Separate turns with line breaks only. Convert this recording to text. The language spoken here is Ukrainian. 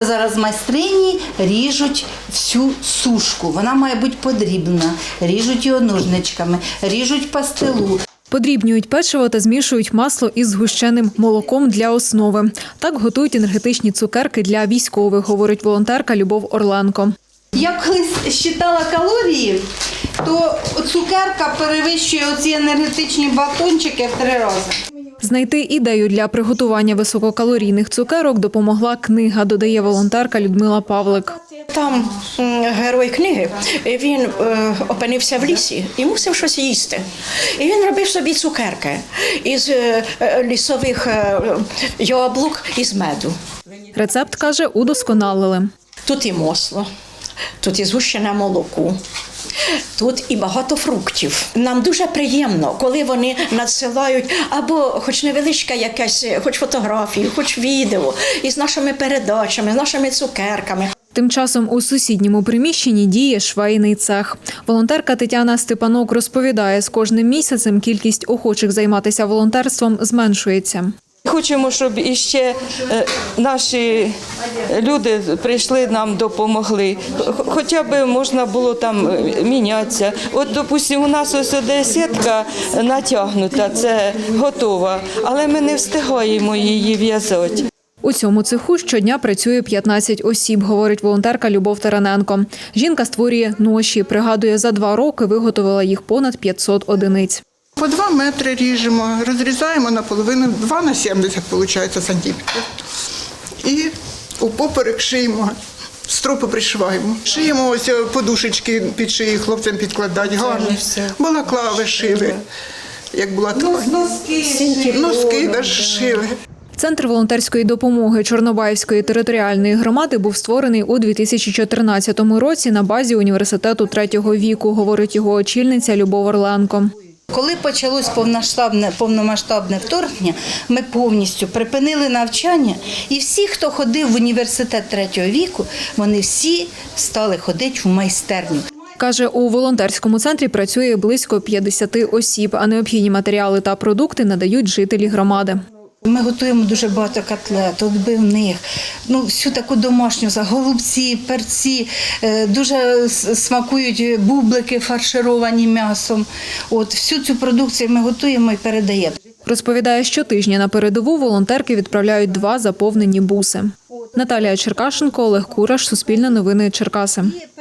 зараз майстрині ріжуть всю сушку. Вона має бути подрібна. Ріжуть його ножничками, ріжуть пастилу.
Подрібнюють печиво та змішують масло із згущеним молоком для основи. Так готують енергетичні цукерки для військових, говорить волонтерка Любов Орленко.
Я колись считала калорії, то цукерка перевищує оці енергетичні батончики в 3 рази.
Знайти ідею для приготування висококалорійних цукерок допомогла книга, додає волонтерка Людмила Павлик.
Там герой книги, він опинився в лісі і мусив щось їсти. І він робив собі цукерки із лісових яблук і з меду.
Рецепт, каже, удосконалили.
Тут і масло, тут і згущене молоко, тут і багато фруктів. Нам дуже приємно, коли вони надсилають або хоч невеличка якась, хоч фотографію, хоч відео із нашими передачами, з нашими цукерками.
Тим часом у сусідньому приміщенні діє швейний цех. Волонтерка Тетяна Степанок розповідає, з кожним місяцем кількість охочих займатися волонтерством зменшується.
Хочемо, щоб іще наші люди прийшли, нам допомогли. Хоча б можна було там мінятися. От, допустимо, у нас ось де сітка натягнута, це готова, але ми не встигаємо її в'язати.
У цьому цеху щодня працює 15 осіб, говорить волонтерка Любов Тараненко. Жінка створює ноші. Пригадує, за 2 роки виготовила їх понад 500 одиниць.
По 2 метри ріжемо, розрізаємо наполовину, 2 на 70, виходить, сантиметрів. І упоперек шиємо, стропи пришиваємо. Шиємо ось подушечки під шиї, хлопцям підкладати, гарно. Балаклави шили, як була ткань. Носки навіть шили.
Центр волонтерської допомоги Чорнобаївської територіальної громади був створений у 2014 році на базі університету 3-го віку, говорить його очільниця Любов Орленко.
Коли почалось повномасштабне вторгнення, ми повністю припинили навчання, і всі, хто ходив в університет 3-го віку, вони всі стали ходити в майстерню.
Каже, у волонтерському центрі працює близько 50 осіб, а необхідні матеріали та продукти надають жителі громади.
Ми готуємо дуже багато котлет, відбивних, всю таку домашню, голубці, перці, дуже смакують бублики фаршировані м'ясом. Всю цю продукцію ми готуємо і передаємо.
Розповідає, щотижня на передову волонтерки відправляють 2 заповнені буси. Наталія Черкашенко, Олег Кураш, Суспільне новини, Черкаси.